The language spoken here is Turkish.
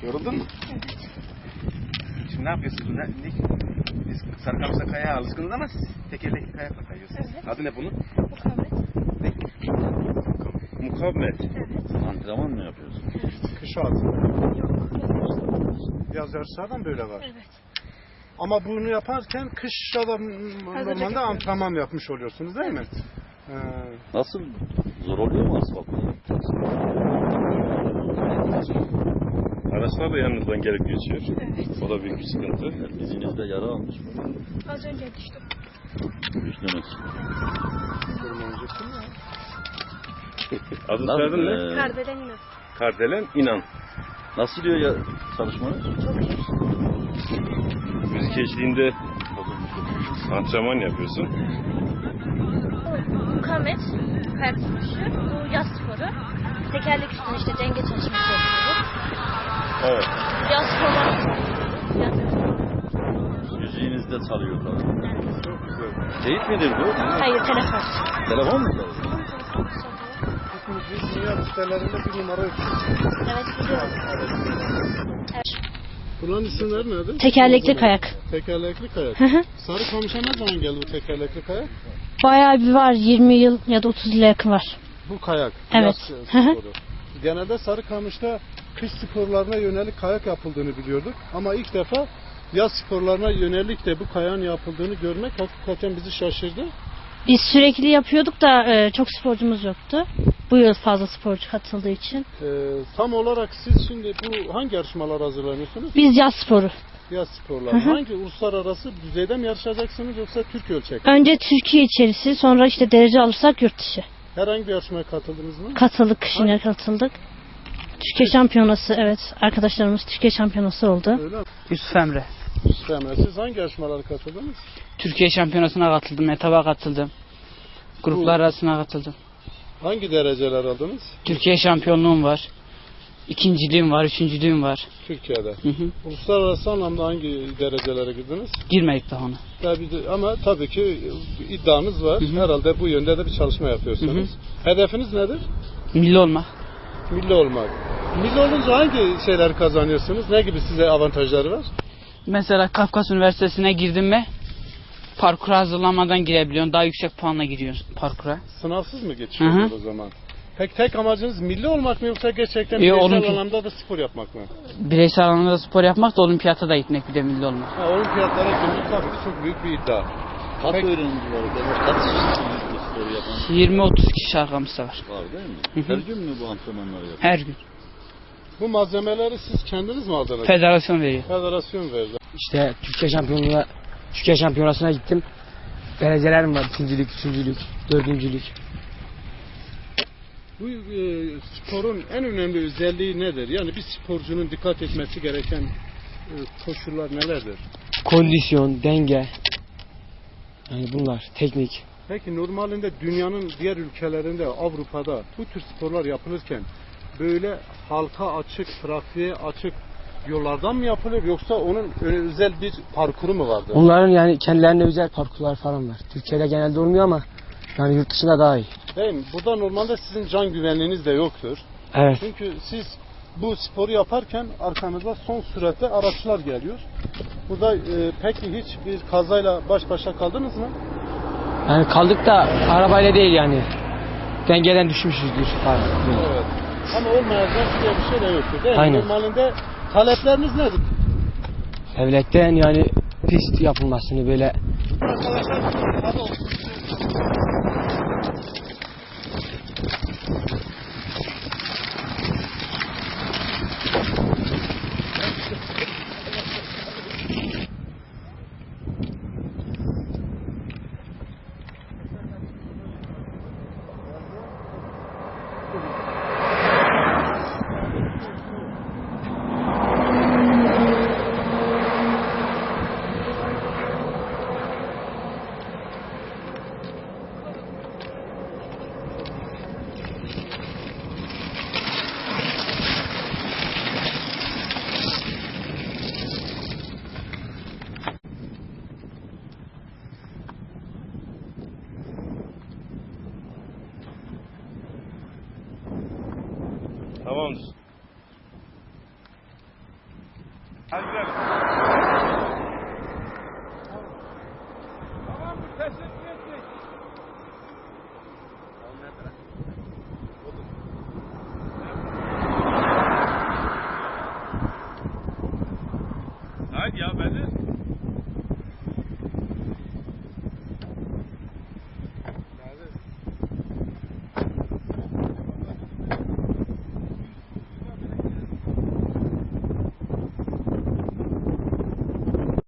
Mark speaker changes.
Speaker 1: Yoruldun mu?
Speaker 2: Evet.
Speaker 1: Şimdi ne yapıyorsunuz? Biz Sarıkamış'ta kayaya alışkınız ama siz tekerlekli kayakla kayıyorsunuz.
Speaker 2: Evet.
Speaker 1: Adı ne bunun?
Speaker 2: Mukavemet.
Speaker 1: Ne? Mukavemet.
Speaker 2: Evet.
Speaker 3: Antrenman mı yapıyorsun?
Speaker 2: Evet.
Speaker 4: Kış altında.
Speaker 2: Yok.
Speaker 4: Yaz yarışlardan böyle var.
Speaker 2: Evet.
Speaker 4: Ama bunu yaparken kışta da normalde
Speaker 2: yapıyoruz.
Speaker 4: antrenman yapmış oluyorsunuz değil mi?
Speaker 3: Nasıl? Zor oluyor mu asfalt?
Speaker 5: Araçlar da yanınızdan gelip geçiyor.
Speaker 2: Evet.
Speaker 5: O da büyük bir sıkıntı.
Speaker 3: Dizinizde yara almış mı?
Speaker 2: Az önce düştüm.
Speaker 3: Düştünüz.
Speaker 5: Adı soyadın ne?
Speaker 2: Kardelen inan.
Speaker 5: Kardelen İnan.
Speaker 3: Nasıl diyor ya çalışmanız?
Speaker 2: Çok iyi.
Speaker 5: Müzik eşliğinde antrenman yapıyorsun.
Speaker 2: Mukavemet. Kayak sürüşü. Bu yaz sporu. Tekerlek üstüne işte denge çalışması yapıyoruz.
Speaker 5: Evet.
Speaker 2: Yaz sporları.
Speaker 3: Müziğinizde çalıyor falan.
Speaker 4: Çok güzel.
Speaker 3: Teyit midir bu?
Speaker 2: Hayır, telefon.
Speaker 3: Telefon mu çalıyor?
Speaker 4: Biz dünya listelerinde bir numara yapıyoruz.
Speaker 2: Evet, biliyorum. Evet.
Speaker 4: Bunların isimleri nedir?
Speaker 6: Tekerlekli kayak.
Speaker 4: Tekerlekli kayak. Sarıkamış'a ne zaman geldi bu tekerlekli kayak?
Speaker 6: Bayağı bir var. 20 yıl ya da 30 yıla yakın var.
Speaker 4: Bu kayak.
Speaker 6: Evet.
Speaker 4: Yaz sporu. Genelde Sarıkamış'ta kış sporlarına yönelik kayak yapıldığını biliyorduk. Ama ilk defa yaz sporlarına yönelik de bu kayağın yapıldığını görmek hakikaten bizi şaşırdı.
Speaker 6: Biz sürekli yapıyorduk da çok sporcumuz yoktu. Bu yıl fazla sporcu katıldığı için.
Speaker 4: Tam olarak siz şimdi bu hangi yarışmalar hazırlanıyorsunuz?
Speaker 6: Biz yaz sporu.
Speaker 4: Yaz sporları. Hangi uluslararası düzeyde mi yarışacaksınız yoksa Türk ölçekli?
Speaker 6: Önce Türkiye içerisi, sonra işte derece alırsak yurt dışı.
Speaker 4: Herhangi bir yarışmaya katıldınız mı?
Speaker 6: Katıldık, kışına katıldık. Türkiye şampiyonası, evet. Arkadaşlarımız Türkiye şampiyonası oldu.
Speaker 4: Öyle mi?
Speaker 7: Yusuf Emre.
Speaker 4: Yusuf, siz hangi yarışmalara katıldınız?
Speaker 7: Türkiye şampiyonasına katıldım, etaba katıldım. Gruplar arasına katıldım.
Speaker 4: Hangi dereceler aldınız?
Speaker 7: Türkiye şampiyonluğum var. İkinciliğim var, üçüncülüğüm var.
Speaker 4: Türkiye'de.
Speaker 7: Hı hı.
Speaker 4: Uluslararası anlamda hangi derecelere girdiniz?
Speaker 7: Girmedik daha ona.
Speaker 4: Ama tabii ki iddianız var.
Speaker 7: Hı hı.
Speaker 4: Herhalde bu yönde de bir çalışma yapıyorsunuz. Hedefiniz nedir?
Speaker 7: Milli olmak.
Speaker 4: Milli olmak. Milli olunca hangi şeyler kazanıyorsunuz? Ne gibi size avantajları var?
Speaker 7: Mesela Kafkas Üniversitesi'ne girdim mi parkura hazırlanmadan girebiliyorsun. Daha yüksek puanla giriyorsun parkura.
Speaker 4: Sınavsız mı geçiyorsunuz o zaman? Peki tek amacınız milli olmak mı yoksa gerçekten bireysel anlamda da spor yapmak mı?
Speaker 7: Bireysel anlamda spor yapmak da olimpiyata da gitmek, bir de milli olmak.
Speaker 4: Olimpiyatlara girmek tabii ki çok büyük bir iddia.
Speaker 3: Kaç öğrencisi var? Kaç kişisiniz bu sporu yapan?
Speaker 7: 20-30 kişi arkamızda var.
Speaker 3: Var değil mi?
Speaker 7: Hı hı.
Speaker 3: Her gün mü bu antrenmanları yapıyorsunuz?
Speaker 7: Her gün.
Speaker 4: Bu malzemeleri siz kendiniz mi aldınız?
Speaker 7: Federasyon veriyor.
Speaker 4: Federasyon verdi.
Speaker 8: İşte Türkiye şampiyonasına gittim. Derecelerim var. İkincilik, üçüncülük, dördüncülük.
Speaker 4: Bu sporun en önemli özelliği nedir? Yani bir sporcunun dikkat etmesi gereken koşullar nelerdir?
Speaker 8: Kondisyon, denge. Yani bunlar, teknik.
Speaker 4: Peki normalinde dünyanın diğer ülkelerinde, Avrupa'da bu tür sporlar yapılırken böyle halka açık, trafiğe açık yollardan mı yapılır yoksa onun özel bir parkuru mu vardır?
Speaker 8: Onların yani kendilerine özel parkurlar falan var. Türkiye'de genelde olmuyor ama yani yurt dışında daha iyi.
Speaker 4: Değil mi? Burada normalde sizin can güvenliğiniz de yoktur.
Speaker 8: Evet.
Speaker 4: Çünkü siz bu sporu yaparken arkanızda son süratte araçlar geliyor. Burada peki hiç bir kazayla baş başa kaldınız mı?
Speaker 8: Yani kaldık da arabayla değil yani. Dengeden düşmüşüzdür falan.
Speaker 4: Evet. Ama olmayacak diye bir şey de yoktur değil mi?
Speaker 8: Aynen.
Speaker 4: Normalinde talepleriniz nedir?
Speaker 8: Devletten yani pist yapılmasını böyle.
Speaker 5: Tamamdır. Hadi gidelim.